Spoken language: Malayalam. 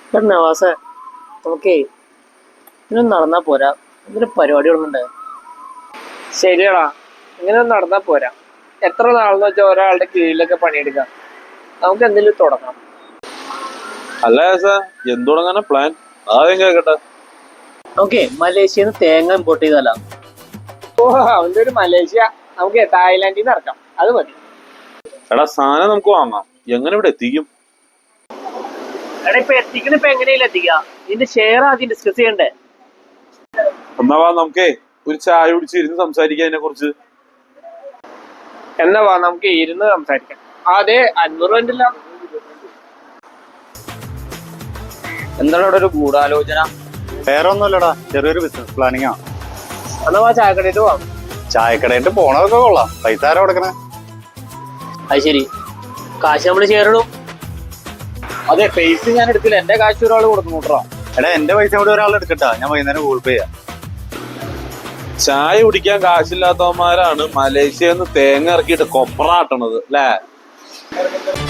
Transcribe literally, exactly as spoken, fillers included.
നവാസേ, നമുക്കേ ഇങ്ങനെ നടന്നാ പോരാ, ഇതിന് പരിപാടികളുണ്ട്. ശരിയാടാ, ഇങ്ങനെ നടന്നാ പോരാ. എത്ര നാളെന്ന് വെച്ചാൽ ഒരാളുടെ കീഴിലൊക്കെ പണിയെടുക്കാം. നമുക്ക് എന്തെങ്കിലും തുടങ്ങാം. അല്ല എന്ത് തുടങ്ങാനാ പ്ലാൻ? ആദ്യം കേക്കട്ടെ. ഓക്കെ, മലേഷ്യന്ന് തേങ്ങ ഇമ്പോർട്ട് ചെയ്താലോ? ഓ, അവന്റെ ഒരു മലേഷ്യ നമുക്ക് തായ്ലാന്റിൽ നിന്ന് ഇറക്കാം. അത് മതി. എടാ, സാധനം നമുക്ക് വാങ്ങാം. എങ്ങനെ ഇവിടെ എത്തിക്കും? എടാ, ഇപ്പൊ എത്തിക്കണ ഇപ്പൊ എങ്ങനെയല്ല എത്തിക്കുക? ഇതിന്റെ ഷെയർ ആദ്യം ഡിസ്കസ് ചെയ്യണ്ടേ? എന്നാ വാ, നമുക്കേ ഒരു ചായ കുടിച്ച് ഇരുന്ന് സംസാരിക്കാം അതിനെ കുറിച്ച്. എന്നാ വാ, നമുക്ക് ഇരുന്ന് സംസാരിക്കാം. അതെ, അഞ്ഞൂറ് രൂപ. എന്താണ് ഇവിടെ ഒരു ഗൂഢാലോചന? വേറെ ഒന്നുമല്ലടാ, ചെറിയൊരു ബിസിനസ് പ്ലാനിങ് ആണ്. എന്നാ വാ, ചായക്കടയിട്ട് പോവാം. ചായക്കടയിട്ട് പോണതൊക്കെ കൊള്ളാം. പൈസ ആരാ കൊടുക്കണേ? അത് ശരി, കാശ് നമ്മള് ഷെയർ ഇടും. അതെ, പൈസ ഞാൻ എടുത്തില്ല, എന്റെ കാശ് ഒരാൾ കൊടുക്കുന്നു കേട്ടോ. എടാ, എന്റെ പൈസ കൂടി ഒരാൾ എടുക്കട്ടാ, ഞാൻ വൈകുന്നേരം ഗൂഗിൾ പേ ചെയ്യാം. ചായ കുടിക്കാൻ കാശില്ലാത്തവന്മാരാണ് മലേഷ്യന്ന് തേങ്ങ ഇറക്കിയിട്ട് കൊപ്രാട്ടണത് അല്ലേ?